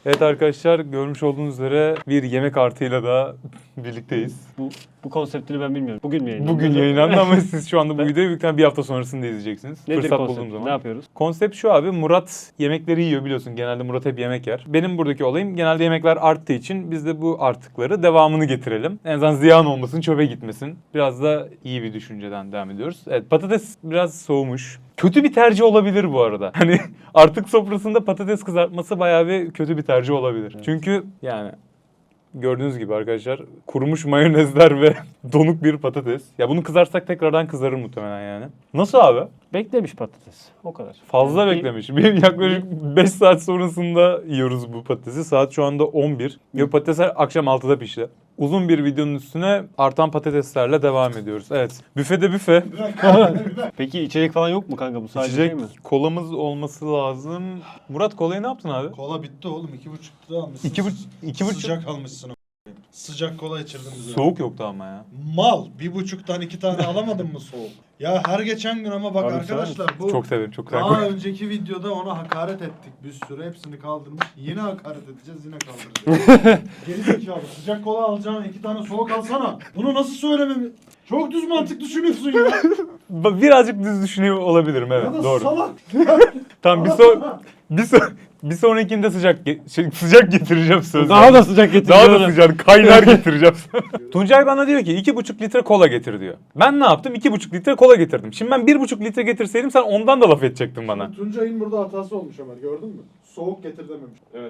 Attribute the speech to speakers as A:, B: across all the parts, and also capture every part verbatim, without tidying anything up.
A: Evet arkadaşlar, görmüş olduğunuz üzere bir yemek artıyla da birlikteyiz.
B: Bu bu konseptini ben bilmiyorum. Bugün mü yayınlandı?
A: Bugün yayınlandı ama siz şu anda bu videoyu büyükten bir hafta sonrasında izleyeceksiniz.
B: Nedir
A: Fırsat
B: konsept?
A: bulduğum zaman.
B: Ne yapıyoruz?
A: Konsept şu abi, Murat yemekleri yiyor biliyorsun. Genelde Murat hep yemek yer. Benim buradaki olayım, genelde yemekler arttığı için biz de bu artıkları devamını getirelim. En azından ziyan olmasın, çöpe gitmesin. Biraz da iyi bir düşünceden devam ediyoruz. Evet, patates biraz soğumuş. Kötü bir tercih olabilir bu arada. Hani artık sofrasında patates kızartması bayağı bir kötü bir tercih olabilir.
B: Evet.
A: Çünkü yani gördüğünüz gibi arkadaşlar kurumuş mayonezler ve donuk bir patates. Ya bunu kızarsak tekrardan kızarır muhtemelen yani. Nasıl abi?
B: Beklemiş patates. O kadar.
A: Fazla
B: Yani bir-
A: beklemiş. Bir yaklaşık beş saat sonrasında yiyoruz bu patatesi. Saat şu anda on bir. Ve patatesler akşam altıda pişti. Uzun bir videonun üstüne artan patateslerle devam ediyoruz. Evet. Büfede büfe.
B: Peki içecek falan yok mu kanka? Bu sadece
A: İçecek
B: şey mi?
A: kolamız olması lazım. Murat kolayı ne yaptın abi?
C: Kola bitti oğlum. iki buçuk lira almışsın.
A: İki, buç iki buçuk.
C: Sıcak almışsın. a**. Sıcak kola içirdin bize.
A: Soğuk yoktu ama ya.
C: Mal. Bir buçuktan iki tane alamadın mı soğuk? Ya her geçen gün ama bak
B: Abi
C: arkadaşlar bu
A: Çok severim. Çok
C: daha
A: severim.
C: önceki videoda ona hakaret ettik bir sürü. Hepsini kaldırmış. Yine hakaret edeceğiz. Yine kaldıracağız. Gerizekalı. Sıcak kola alacağım. iki tane soğuk alsana. Bunu nasıl söylememi? Çok düz mantık düşünüyorsun ya.
A: Birazcık düz düşünüyor olabilirim, evet.
C: Ya da
A: Doğru.
C: salak.
A: Tamam, bir son bir son bir sonrakinde sıcak ge- şey, sıcak getireceğim söz.
B: Daha da sıcak getireceğim.
A: Daha da sıcak kaynar getireceğim. Tuncay bana diyor ki iki buçuk litre kola getir diyor. Ben ne yaptım? iki buçuk litre kola getirdim. Şimdi ben bir buçuk litre getirseydim sen ondan da laf edecektin bana.
C: Tuncay'ın burada hatası olmuş Ömer. Gördün mü? Soğuk getir dememiş.
B: Evet.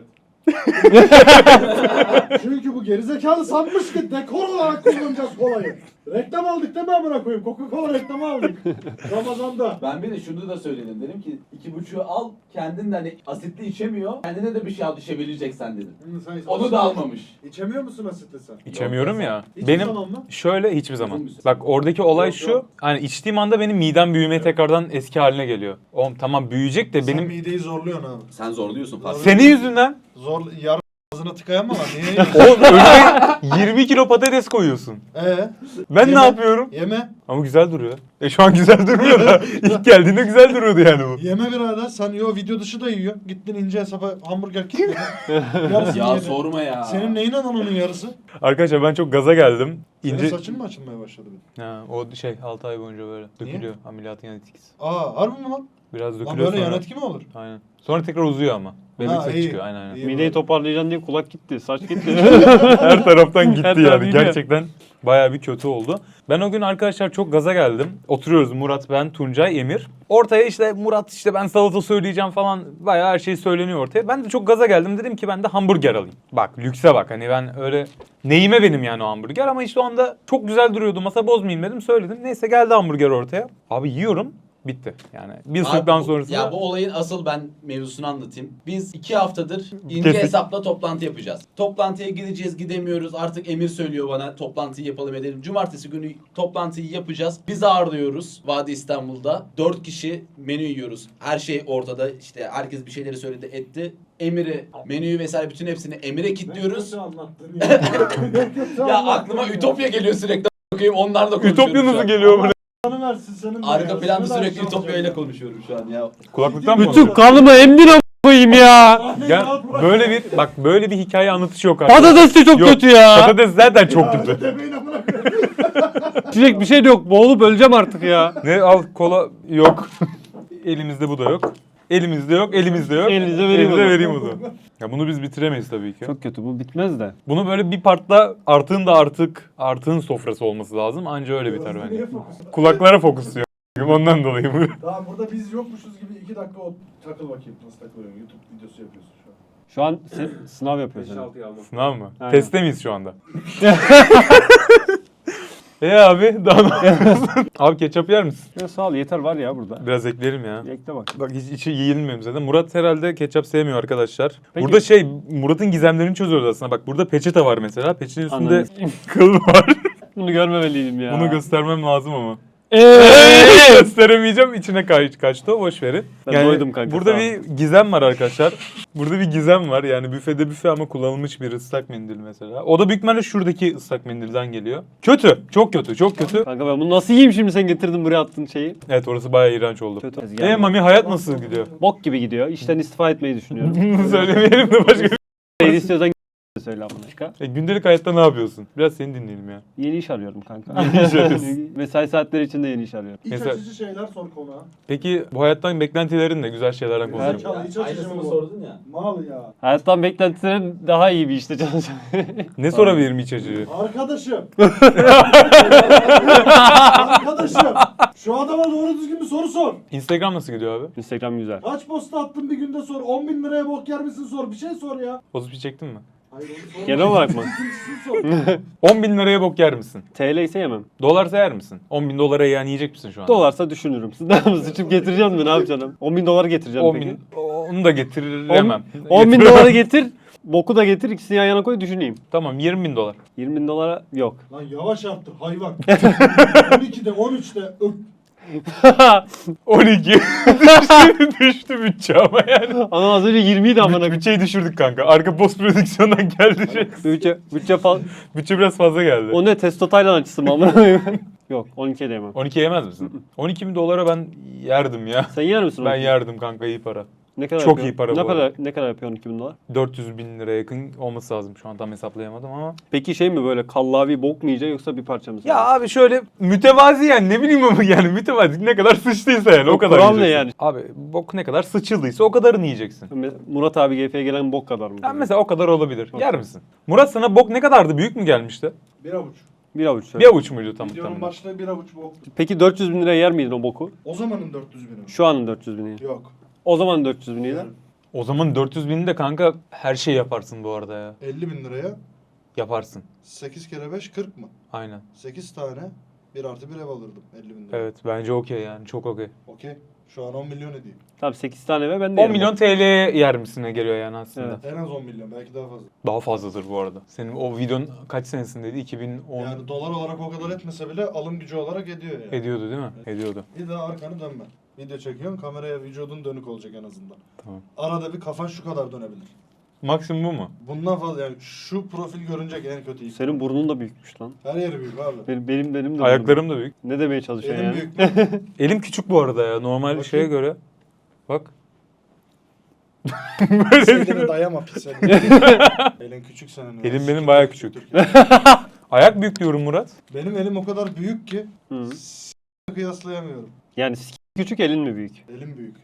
C: Çünkü bu gerizekalı sanmış ki dekor olarak kullanacağız kolayı. Reklam aldık değil mi amına koyayım? Coca-Cola reklamı aldık. Ramazan'da.
D: Ben bir de şunu da söyledim. Dedim ki iki buçuğu al. Kendin de hani asitli içemiyor. Kendine de bir şey al düşebileceksen dedim. Onu da almamış.
C: İçemiyor musun asitli sen?
A: İçemiyorum ya.
C: Hiçbir
A: Benim
C: zaman mı?
A: şöyle hiçbir zaman.
D: Uzun bir süre.
A: Bak oradaki olay
C: Yok,
A: şu.
C: yok.
A: Hani içtiğim anda benim midem büyümeye tekrardan eski haline geliyor. Oğlum tamam büyüyecek de
C: Sen
A: benim
C: mideyi zorluyorsun abi.
D: Sen zorluyorsun fark
A: senin yüzünden.
C: Zor yarım ağzına tıkayan mı var? Niye yiyorsun?
A: Oğlum önüme yirmi kilo patates koyuyorsun.
C: Eee?
A: Ben
C: Yeme.
A: ne yapıyorum?
C: Yeme.
A: Ama güzel duruyor. E şu an güzel durmuyor da ilk geldiğinde güzel duruyordu yani bu.
C: Yeme birader. Sen yo video dışı da yiyor. Gittin ince hesaba hamburger kilitledin. Yarısını
D: Ya
C: yedin.
D: sorma ya.
C: Senin neyin anan onun yarısı?
A: Arkadaşlar ben çok gaza geldim.
C: Senin
A: İnce...
C: saçın mı açılmaya başladı? Bir?
A: Ha, o şey altı ay boyunca böyle
C: Niye?
A: dökülüyor. Ameliyatın yan etkisi.
C: Aa harbi mi lan?
A: Biraz
C: Lan
A: dökülüyor
C: böyle
A: sonra.
C: yan etki mi olur?
A: Aynen. Sonra tekrar uzuyor ama. Bebek
C: Ha,
A: saç
C: iyi.
A: çıkıyor. Aynen aynen.
C: İyi.
B: Mideyi toparlayacaksın diye kulak gitti, saç gitti.
A: Her taraftan gitti
B: Her taraf
A: yani.
B: gidiyor.
A: Gerçekten bayağı bir kötü oldu. Ben o gün arkadaşlar çok gaza geldim. Oturuyoruz Murat, ben, Tuncay, Emir. Ortaya işte Murat işte ben salata söyleyeceğim falan bayağı her şey söyleniyor ortaya. Ben de çok gaza geldim. Dedim ki ben de hamburger alayım. Bak lükse bak hani ben öyle neyime benim yani o hamburger ama işte o anda çok güzel duruyordu. Masa bozmayayım dedim söyledim. Neyse geldi hamburger ortaya. Abi yiyorum. Bitti. Yani bir
D: Abi
A: ısırıktan
D: bu-
A: sonrasında...
D: Ya bu olayın asıl ben mevzusunu anlatayım. Biz iki haftadır ince
A: Kesin.
D: hesapla toplantı yapacağız. Toplantıya gideceğiz gidemiyoruz. Artık Emir söylüyor bana toplantıyı yapalım edelim. Cumartesi günü toplantıyı yapacağız. Biz ağırlıyoruz Vadi İstanbul'da. Dört kişi menü yiyoruz. Her şey ortada. İşte herkes bir şeyleri söyledi etti. Emir'i, menüyü vesaire bütün hepsini Emir'e kilitliyoruz.
C: anlattın ya.
D: Ya aklıma Ütopya geliyor sürekli. Bakayım onlar da konuşuyorum
A: Ütopya
D: şu
A: nasıl
D: an.
A: geliyor buraya?
C: Anı versin senin de
D: Arka
C: ya.
D: planda
C: Senin de
D: sürekli
C: şey
D: Ütopya ile
C: olacak.
D: konuşuyorum şu an ya.
A: Kulaklıktan mı?
B: Bütün kanımı emdin a** koyayım ya.
C: Anne
A: Gel,
C: rahat bırak.
A: böyle bir bak böyle bir hikaye anlatışı yok arkadaşlar.
B: Patates de çok
A: Yok,
B: kötü ya.
A: Patates zaten çok
C: Ya,
A: kötü.
C: demeyin amına koyayım.
B: İçecek bir şey de yok. Boğulup öleceğim artık ya.
A: Ne al kola yok. Elimizde bu da yok. Elimizde yok, elimizde yok.
B: Elinizde vereyim
A: Elimizde
B: o zaman.
A: vereyim o zaman. Ya bunu biz bitiremeyiz tabii ki.
B: Çok kötü bu bitmez de.
A: Bunu böyle bir partla artığın da artık artığın sofrası olması lazım. Anca öyle biter bence.
C: Niye fokus?
A: Kulaklara fokusluyor. Ondan dolayı bu.
C: Tamam burada biz yokmuşuz gibi iki dakika o takıl bakayım nasıl takılıyorsun. YouTube videosu yapıyorsun şu an.
B: Şu an sen sınav yapıyorsun.
A: Sınav mı?
B: Aynen.
A: Testte miyiz şu anda? E abi daha ne yapıyorsun? Abi ketçap yer misin?
B: Ya sağ ol yeter var ya burada.
A: Biraz ekleyelim ya.
B: Ekle bak.
A: Bak hiç içi yiyilmiyor zaten. Murat herhalde ketçap sevmiyor arkadaşlar.
B: Peki.
A: Burada şey Murat'ın gizemlerini çözüyoruz aslında. Bak burada peçete var mesela. Peçetenin üstünde
B: Anladım.
A: kıl var.
B: Bunu görmemeliydim ya.
A: Bunu göstermem lazım ama.
B: Eee!
A: Gösteremeyeceğim. İçine kaç, kaçtı o, boş verin.
B: Ben doydum kanka,
A: Burada
B: sağ ol.
A: bir gizem var arkadaşlar. Burada bir gizem var. Yani büfede büfe ama kullanılmış bir ıslak mendil mesela. O da büyük ihtimalle şuradaki ıslak mendilden geliyor. Kötü. Çok kötü. Çok kötü.
B: Kanka ben bunu nasıl yiyeyim şimdi sen getirdin buraya attın şeyi.
A: Evet orası bayağı iğrenç oldu.
B: Kötü.
A: E Mami hayat nasıl gidiyor?
B: Bok gibi gidiyor. İşten istifa etmeyi düşünüyorum.
A: Bunu söylemeyelim de başka
B: istiyorsan söyle amına çıkar.
A: E, gündelik hayatta ne yapıyorsun? Biraz seni dinleyelim ya.
B: Yeni iş arıyorum kanka.
A: Yeni iş arıyorsun.
B: Mesai saatleri içinde yeni iş arıyorum.
C: İç
A: Mesela-
C: açıcı şeyler sor konuğa.
A: Peki bu hayattan beklentilerin ne? Güzel şeylerden
C: Güzel
A: konuşalım.
C: çal- hiç açıcı
D: Aynısını
C: mı bu?
D: sordun ya.
C: Mal ya.
B: Hayattan beklentilerin daha iyi bir işte çalışacağım.
A: Ne sorabilirim iç açıcı?
C: Arkadaşım. Arkadaşım. Şu adama doğru düzgün bir soru sor.
A: Instagram nasıl gidiyor abi?
B: Instagram güzel.
C: Kaç posta attın bir günde sor. on bin liraya bok yer misin sor. Bir şey sor ya.
A: Pozitif çektin mi?
C: Hayır onu sor.
B: Genel olarak mı?
C: İkincisini sor.
A: on bin liraya bok yer misin?
B: T L ise yemem.
A: Dolarsa yer misin? on bin dolara yani yiyecek misin şu an?
B: Dolarsa düşünürüm. Siz ne yapıyorsunuz? Sıçıp getireceğim mi? Ne yapacağım? on bin dolar getireceğim
A: on
B: peki.
A: bin, onu da getiremem.
B: on bin dolara getir. Boku da getir. İkisini yan yana koy düşüneyim.
A: Tamam yirmi bin dolar.
B: yirmi bin dolara yok.
C: Lan yavaş arttır hayvan. on ikide on üçte öp.
A: on iki. düştü, düştü bütçe ama yani.
B: Ama az önce yirmi idi amına.
A: Bütçeyi düşürdük kanka. Arka post prodüksiyondan geldi şey.
B: Bütçe, bütçe fal...
A: Bütçe biraz fazla geldi.
B: O ne? Testo Taylan açısı mı amına? Yok on ikiye de yemem.
A: on iki yemez misin? on iki bin dolara ben yerdim ya.
B: Sen yer misin?
A: Ben
B: on iki?
A: yerdim kanka, iyi para.
B: Ne kadar
A: Çok
B: yapıyor?
A: iyi para
B: ne
A: bu
B: kadar,
A: arada.
B: ne kadar yapıyor on iki bin dolar?
A: dört yüz bin liraya yakın olması lazım. Şu an tam hesaplayamadım ama.
B: Peki şey mi böyle kallavi bok mu yiyecek yoksa bir parça mı?
A: Ya abi şöyle mütevazi yani, ne bileyim ama yani mütevazi ne kadar sıçtıysa yani o,
B: O
A: kadar
B: kural ne
A: yiyeceksin.
B: yani?
A: Abi bok ne kadar sıçıldıysa o kadarını yiyeceksin.
B: Murat abi G F'ye gelen bok kadar mı?
A: Ya mesela o kadar olabilir. Yer misin? Murat sana bok ne kadardı? Büyük mü gelmişti?
C: Bir avuç.
B: Bir avuç
A: Bir
B: söyle.
A: avuç muydu tam
C: Videonun
A: tam?
C: başlığı bir avuç bok.
B: Peki dört yüz bin liraya yer miydin o boku?
C: O zamanın dört yüz bini.
B: Şu anın dört yüz bini.
C: Yok.
B: O zaman dört yüz bini.
A: O zaman dört yüz bini de kanka her şey yaparsın bu arada ya.
C: elli bin liraya
A: Yaparsın.
C: sekiz kere beş kırk mı?
A: Aynen.
C: sekiz tane bir artı bir ev alırdım elli bin liraya.
A: Evet bence okey yani, çok okey.
C: Okey. Şu an on milyon ediyor.
B: Tamam sekiz tane ve ben de
A: on
B: yerim.
A: milyon T L'ye yer misine geliyor yani aslında.
B: Evet.
C: En az on milyon belki daha fazla.
A: Daha fazladır bu arada. Senin o videonun kaç senesindeydi? iki bin on
C: Yani dolar olarak o kadar etmese bile alım gücü olarak ediyor yani.
A: ediyordu değil mi? Ediyordu.
C: Bir daha arkanı dönme. Video çekiyorsun, kameraya vücudun dönük olacak en azından.
A: Tamam.
C: Arada bir kafan şu kadar dönebilir.
A: Maksimum bu mu?
C: Bundan fazla yani şu profil görünecek en kötü ihtimal.
B: Senin burnun da büyükmüş lan.
C: Her yeri büyük abi.
B: Benim benim, benim de burnum.
A: Ayaklarım da büyük.
B: Ne demeye çalışıyorsun
C: Elim
B: yani?
C: büyük mü?
A: Elim küçük bu arada ya. Normal
C: Bakayım.
A: şeye göre. Bak.
C: Elini dayama pis elini. Elin küçük senin. ya.
A: Elim benim bayağı küçük. Ayak büyük diyorum Murat.
C: Benim elim o kadar büyük ki
B: Hı.
C: s- kıyaslayamıyorum.
B: Yani s- küçük elin mi büyük?
C: Elim büyük.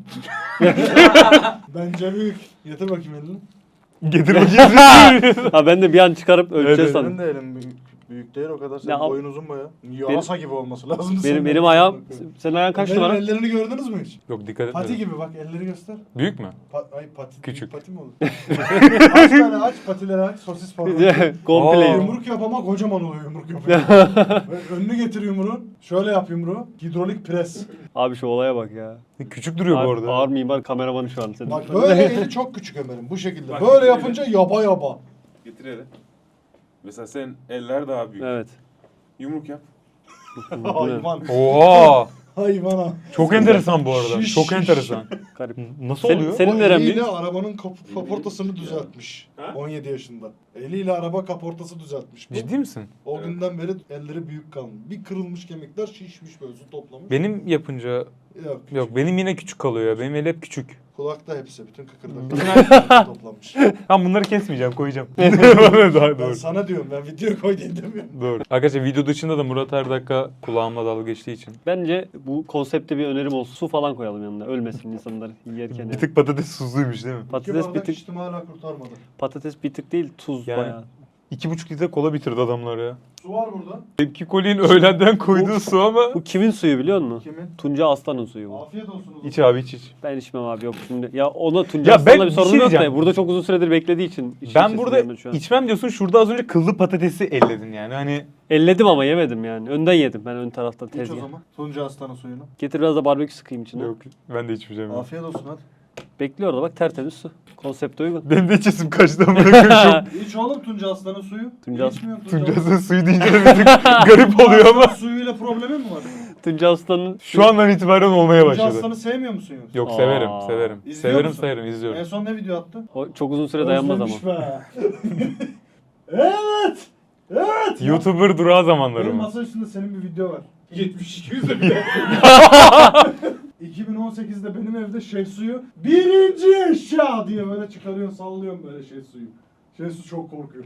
C: Bence büyük. Getir bakayım elini.
A: Getir bakayım.
B: Ha ben de bir an çıkarıp ölçeceğiz
A: Evet,
B: sandım.
C: Senin de elin büyük. Büyük değil o kadar. Senin
B: Ne yap-
C: boyun uzun baya. Yasa gibi olması lazım.
B: Benim
C: senin.
B: benim ayağım senin ayağın kaç
C: Benim
B: numara?
C: ellerini gördünüz mü hiç?
A: Yok dikkat
C: Pati
A: etmedim.
C: gibi bak elleri göster.
A: Büyük mü?
C: Pa- ay pati.
A: Küçük.
C: Pati mi olur? aç tane aç patileri aç sosis falan.
B: Komple.
A: Aa.
C: Yumruk yap ama kocaman oluyor yumruk yapıyor. Ve önünü getir yumruğun. Şöyle yap yumruğu. Hidrolik pres.
B: Abi şu olaya bak ya.
A: Küçük duruyor bu
B: Ağır,
A: arada.
B: ağır mimar kameramanı şu an senin.
C: Bak böyle eli çok küçük Ömer'in bu şekilde. Böyle yapınca yaba yaba.
E: Getir hele. Mesela senin eller daha büyük.
B: Evet.
E: Yumruk yap.
C: Hayvan.
A: Oha!
C: Hayvana.
A: Çok enteresan bu arada.
C: Şiş,
A: Çok
C: şiş.
A: enteresan.
B: Garip.
A: Nasıl
B: Senin-
A: oluyor?
B: senin-
C: O
B: neren
C: eliyle
B: büyük?
C: arabanın kap- kaportasını düzeltmiş.
E: Ha?
C: on yedi yaşında. Eliyle araba kaportası düzeltmiş. Bu,
A: Ciddi misin?
C: o günden beri elleri büyük kalmış. Bir kırılmış kemikler şişmiş böyle su toplamış.
A: Benim yapınca
C: Yok.
A: yok, benim yine küçük kalıyor ya. Benim el hep küçük.
C: Kulakta hepsi bütün kıkırdaklar toplamış.
A: Ben bunları kesmeyeceğim, koyacağım. Daha
C: Ben
A: doğru.
C: sana diyorum ben video koy diye demiyorum.
A: Doğru. Arkadaşlar video dışında da Murat her dakika kulağımla dalga geçtiği için.
B: Bence bu konsepte bir önerim olsun. Su falan koyalım yanına. Ölmesin insanlar yerken.
A: Bir
B: yani.
A: tık patates tuzluymuş değil mi?
C: İki
B: Patates bir
C: bardak
B: tık,
C: içtim hala kurtarmadı.
B: patates bir tık değil tuz
A: Yani-
B: bayağı.
A: İki buçuk litre kola bitirdi adamlar ya.
C: Su var burada.
A: Tepki Koli'nin öğlenden koyduğu su ama.
B: Bu kimin suyu biliyor musun?
C: Kimin?
B: Tunca Aslan'ın suyu bu.
C: Afiyet olsun. o zaman.
A: İç abi iç iç.
B: Ben içmem abi yok şimdi. Ya ona Tunca
A: Ya
B: Aslan'la
A: ben
B: bir
A: bir
B: sorun
A: şey
B: yok da
A: diyeceğim.
B: burada çok uzun süredir beklediği için. işin
A: Ben
B: sesini
A: burada
B: duyamadım şu an.
A: içmem diyorsun. Şurada az önce kıllı patatesi elledin yani. Hani
B: Elledim ama yemedim yani. Önden yedim ben ön tarafta
C: İç o
B: tezgah.
C: zaman. Tunca Aslan'ın suyunu.
B: Getir biraz da barbekü sıkayım içine.
A: yok, ben de içmeyeceğim. ya.
C: Afiyet olsun hadi.
B: Bekliyor da bak tertemiz su. Konsepte uygun.
A: Benim de içesim kaçtı amına koyayım.
C: İç oğlum Tunca Aslan'ın suyu.
B: Tunca As-
C: İçmiyorum Tunca
A: Tuncas'ın suyu deyince de bir tık garip oluyor ama.
C: Suyuyla problemi mi var?
B: Tunca Aslan'ın
A: Şu andan itibaren olmaya
C: Tunca
A: başladı.
C: Aslan'ı sevmiyor musun yoksa?
A: Yok
B: Aa.
A: severim, severim.
C: İzliyor
A: severim,
C: musun?
A: severim,
C: En
A: izliyorum.
C: son ne video attı?
B: o çok uzun süre dayanmaz ama.
C: Özlemiş be. evet. Evet.
A: YouTuber durağı zamanları
C: Benim
A: mı?
C: masa üstünde senin bir video var. yetmiş iki yüzde bir de. iki bin on sekizde benim evde Şehsu'yu birinci eşya diye böyle çıkarıyorsun, sallıyorsun böyle Şehsu'yu. Şehsu çok korkuyor.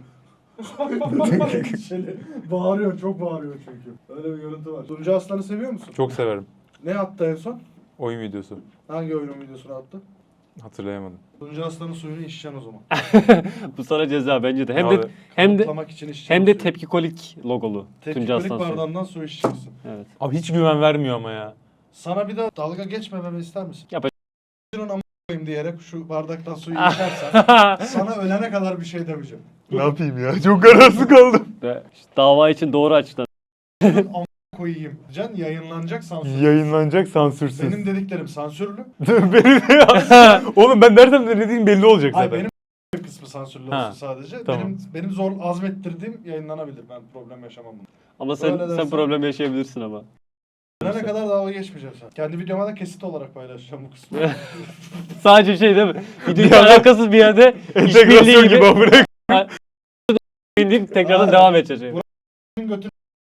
C: Şöyle bağırıyor, çok bağırıyor çünkü. Öyle bir görüntü var. Tuncay Aslan'ı seviyor musun?
A: Çok severim.
C: Ne attı en son?
A: Oyun videosu.
C: Hangi oyunun videosunu attı?
A: Hatırlayamadım.
C: Tuncay Aslan'ın suyunu içeceksin o zaman.
B: Bu sana ceza bence de. Hem de
A: Abi,
B: hem de
C: Kanıtlamak için içeceksin.
B: hem de
C: suyu.
B: tepkikolik logolu. Tuncay
C: Tepkikolik
B: Aslan suyu.
C: bardağından su içeceksin.
B: Evet.
A: Abi hiç güven vermiyor ama ya.
C: Sana bir de dalga geçmememi ister misin?
B: Yap.
C: Şunun amına koyayım diyerek şu bardaktan suyu içersen sana ölene kadar bir şey demeyeceğim.
A: Ne yapayım ya? Çok kararsız kaldım.
B: Ve işte dava için doğru açıklan.
C: Şunun amına koyayım. Can yayınlanacak sansür.
A: Yayınlanacak sansürsüz.
C: Benim dediklerim sansürlü.
A: benim Oğlum ben nereden ne dediğim belli olacak
C: Hayır
A: zaten.
C: benim kısmı sansürlü
A: Ha,
C: olsun sadece.
A: tamam.
C: Benim benim zor azmettirdiğim yayınlanabilir. Ben problem yaşamam bunu.
B: Ama sen
C: Öyle
B: sen
C: dersen-
B: problem yaşayabilirsin ama.
C: Ölene kadar dalga geçmeyeceğim sen. Kendi videoma da kesit olarak paylaşacağım bu kısmı.
B: Sadece şey değil mi? Videoyla
A: Bir anda-
B: alakasız bir yerde işbirliği
A: Entegrasyon gibi
B: gibi
A: amına.
B: indirip tekrardan
C: Aynen.
B: devam edeceğiz. şey.
C: Götür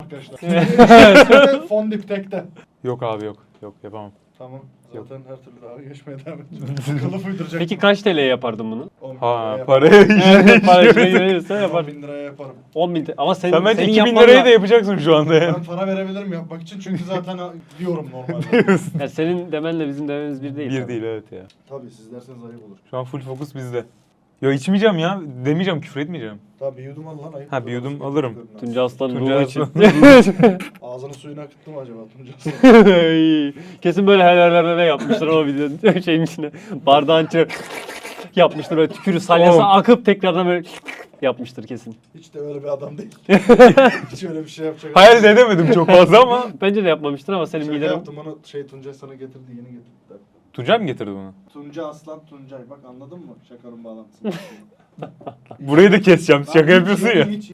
C: arkadaşlar. Fondip tekte.
A: Yok abi yok. Yok yapamam.
C: Tamam.
A: Yok.
C: Zaten her türlü dalga geçmeye devam edeceğim. Kılıf uyduracak.
B: Peki kaç T L'ye yapardın bunu?
C: on bin
A: Ha
C: liraya yaparım.
A: paraya
B: Evet, para işine
A: işine
B: girilirse
C: on
B: yapardın.
C: bin liraya yaparım.
B: on bin T L. Ama senin,
A: Sen bence
B: senin
A: iki bin
B: yapman
A: liraya
B: da-
A: da yapacaksın şu anda yani.
C: Ben para verebilirim yapmak için çünkü zaten diyorum normalde.
B: Ya senin demenle bizim dememiz bir değil.
A: Bir
B: tabii.
A: değil evet ya.
C: Tabii siz derseniz ayıp olur.
A: Şu an full fokus bizde. Ya içmeyeceğim ya. Demeyeceğim, küfür etmeyeceğim.
C: Tabii bir yudum al lan ayıp.
A: Ha, bir
C: olur.
A: yudum
C: Nasıl
A: alırım.
C: yapıyorum ben?
B: Tuncay Aslan'ın
A: Tuncay
B: ruhu için.
A: Aslan.
C: Ağzının suyunu akıttı mı acaba Tuncay Aslan?
B: Kesin böyle helallerine yapmıştır o videonun şeyin içine. Bardağın içine yapmıştır böyle tükürü salyası
A: Oğlum.
B: akıp tekrardan böyle yapmıştır kesin.
C: Hiç de öyle bir adam değil. Hiç öyle bir şey yapacak.
A: Hayal de edemedim çok fazla ama.
B: Bence de yapmamıştır ama senin
C: Şaka
B: miden
C: yaptım onu şey Tuncay sana getirdi yeni getirdi.
A: Tuncay mı getirdi bunu?
C: Tuncay Aslan Tuncay bak anladın mı şakanın bağlantısını?
A: Burayı da keseceğim. Şaka yapıyorsun ya.
C: Hiç...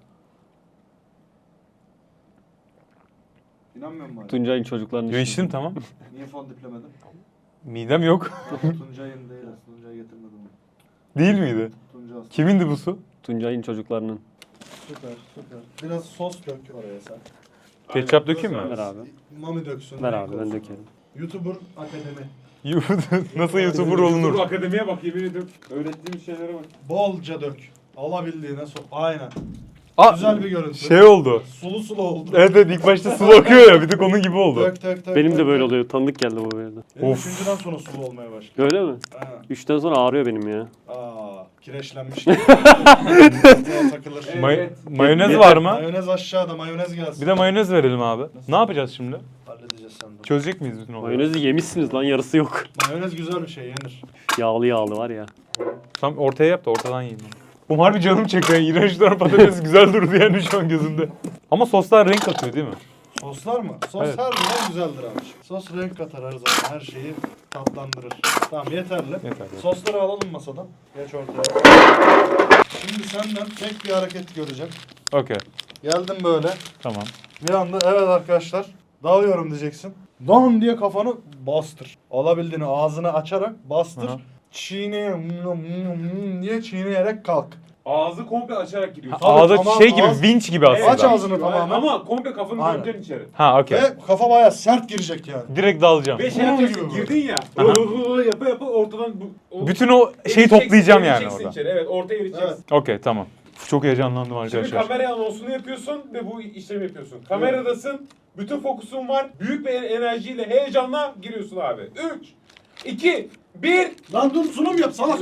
C: İnanmıyor musun?
B: Tuncay'ın çocuklarını
A: Yo içtim tamam.
C: Niye fon diplemedin?
A: Midem yok.
C: Tuncay'ın değil aslında. Tuncay getirmedim onu.
A: Değil miydi?
C: Tuncay Aslan.
A: Kimindi bu su?
B: Tuncay'ın çocuklarının.
C: Süper süper. Biraz sos dök oraya sen.
A: Ketçap dökeyim mi?
B: Ver abi.
C: Mami döksün.
B: Ver
C: renk
B: abi ben
C: olsun.
B: dökerim.
C: YouTuber Akademi.
A: Nasıl YouTuber olunur?
E: Dur akademiye bak yemin ediyorum. Öğrettiğim şeylere bak.
C: Bolca dök. Alabildiğine sok. Aynen.
A: Aa,
C: Güzel bir görüntü.
A: şey oldu.
C: Sulu sulu oldu.
A: Evet evet ilk başta sulu akıyor ya bir tık onun gibi oldu.
C: Dök dök dök.
B: Benim
C: dök,
B: de böyle
C: dök.
B: oluyor. Tanıdık geldi bu böyle.
C: Benim
A: Of.
C: üçüncüden sonra sulu olmaya başladı.
B: Öyle mi?
C: Aynen.
B: Üçten sonra ağrıyor benim ya.
C: Aa, kireçlenmiş gibi. Buna takılır.
A: May-
E: Evet.
A: mayonez var mı?
C: Mayonez aşağıda, mayonez gelsin.
A: Bir de mayonez verelim abi. Ne yapacağız şimdi?
C: Halledeceğiz senden.
A: Çözecek miyiz bütün olayı?
B: Mayonezi yemişsiniz lan yarısı yok.
C: Mayonez güzel bir şey, yenir.
B: Yağlı yağlı var ya.
A: Tam ortaya yap da ortadan yiyeyim. Oğlum harbi canım çekiyor. İğrençler patates güzel durdu yani şu an gözümde. Ama soslar renk katıyor değil mi?
C: Soslar mı? Sos
A: Evet.
C: her zaman güzeldir abi. Sos renk katar her zaman, her şeyi tatlandırır. Tamam yeterli.
A: Yeterli.
C: Sosları alalım masadan. Geç ortaya. Şimdi senden tek bir hareket göreceğim.
A: Okey.
C: Geldim böyle.
A: Tamam.
C: Bir anda evet arkadaşlar dalıyorum diyeceksin. Dan diye kafanı bastır. Alabildiğini ağzını açarak bastır.
A: Aha.
C: Çiğneye diye çiğneyerek kalk.
E: Ağzı komple açarak gidiyor.
C: Tabii,
A: Ağda
C: tamam,
A: şey gibi,
C: ağız-
A: vinç gibi aslında.
C: Aç ağzını tamamen.
E: Ama komple kafanı
C: Aynen.
E: gömeceksin içeri.
A: Ha okey.
C: Ve kafa bayağı sert girecek yani.
A: Direkt dalacağım.
E: Ve şey
C: Ne
E: yapacaksın,
C: oluyor
E: girdin ya.
A: Aha.
E: Hı yapa yapa ortadan bu... o-
A: Bütün o şeyi
E: eriteceksin,
A: toplayacağım yani
E: eriteceksin
A: orada.
E: içeri. Evet ortaya eriteceksin.
C: Evet.
A: Okey tamam. Çok heyecanlandım
E: Şimdi
A: arkadaşlar.
E: kamera anonsunu yapıyorsun ve bu işlemi yapıyorsun. Kameradasın, bütün fokusun var, büyük bir enerjiyle, heyecanla giriyorsun abi. üç, iki, bir.
C: Lan dur sunum yap salak.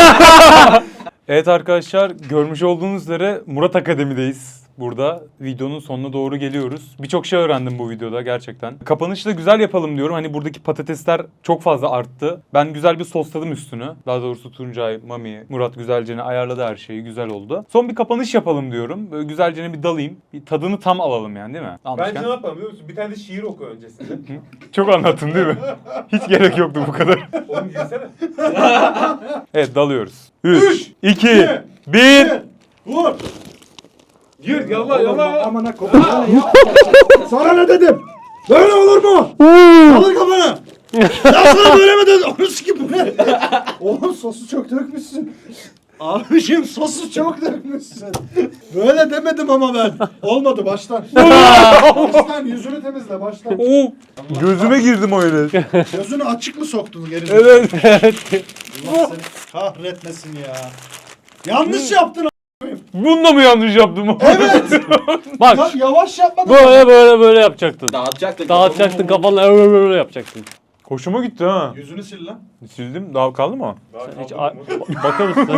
A: Evet arkadaşlar görmüş olduğunuz üzere Murat Akademi'deyiz. Burada videonun sonuna doğru geliyoruz. Birçok şey öğrendim bu videoda gerçekten. Kapanışı da güzel yapalım diyorum. Hani buradaki patatesler çok fazla arttı. Ben güzel bir sosladım üstünü. Daha doğrusu Tuncay, Mami, Murat güzelce ayarladı her şeyi. Güzel oldu. Son bir kapanış yapalım diyorum. Böyle güzelce bir dalayım. Bir tadını tam alalım yani değil mi? Almışken.
E: Bence ne yapalım biliyor musun? Bir tane de şiir oku öncesinde.
A: Çok anlattım değil mi? Hiç gerek yoktu bu kadar.
E: Oğlum girsene.
A: Evet dalıyoruz. üç, iki, bir.
C: Vur.
E: Gir yallah yallah.
C: Amına koyayım. Sana ne dedim? Böyle olur mu? Alır kafanı. Ya sana böyle mi dedim? Onu sikim bu ne? Oğlum sosu çok dökmüşsün. Abiciğim sosu çok dökmüşsün. Böyle demedim ama ben. Olmadı baştan. baştan yüzünü temizle baştan.
A: Oo, gözüme girdim öyle.
C: Gözünü açık mı soktun geri?
A: Evet.
C: Allah seni kahretmesin ya. Yanlış yaptın.
A: Bunda mı yanlış yaptım?
C: Evet.
B: Bak
C: Ya, yavaş yapmadın.
B: böyle böyle böyle yapacaktın.
D: Dağıtacaktın.
B: Dağıtacaktın kafanla öyle böyle yapacaktın.
A: Hoşuma gitti ha.
C: Yüzünü sil lan.
A: Sildim. Daha kaldı mı?
E: Daha
B: Hiç
E: kaldırdın mı?
B: a- bakar mısın?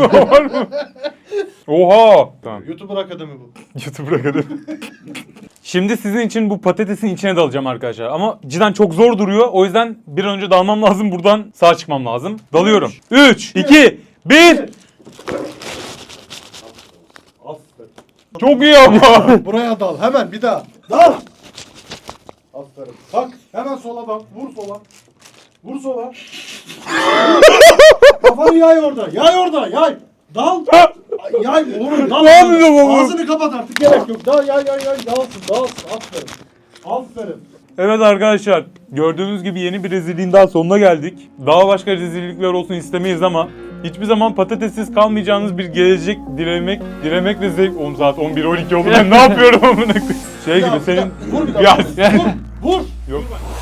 A: Oha. Tamam.
C: YouTuber Akademi bu.
A: YouTube bırakalım. Şimdi sizin için bu patatesin içine dalacağım arkadaşlar. Ama cidden çok zor duruyor. O yüzden bir an önce dalmam lazım. Buradan sağ çıkmam lazım. Dalıyorum. üç, iki, bir.
C: Aferin.
A: Çok iyi ama.
C: Buraya dal hemen bir daha. Dal. Aferin. Bak hemen sola dal. Vur sola. Vur sola. Kafanı yay orada. Yay orada. Yay. Dal. Yay oğlum dal.
A: Ne yapıyorsun oğlum?
C: Ağzını kapat artık gerek yok. Dal yay yay yay. Dalsın dalsın. Aferin. Aferin.
A: Evet arkadaşlar. Gördüğünüz gibi yeni bir rezilliğin daha sonuna geldik. Daha başka rezillikler olsun istemeyiz ama hiçbir zaman patatessiz kalmayacağınız bir gelecek dilemek, dilemek ve zevk. Oğlum saat on bir on iki oldu. Ben ne yapıyorum amına koyayım? Şey
C: Bir daha,
A: gibi
C: bir
A: senin
C: daha. Vur bir daha.
A: Ya
C: Vur.
A: sen-
C: Vur.
A: Yok.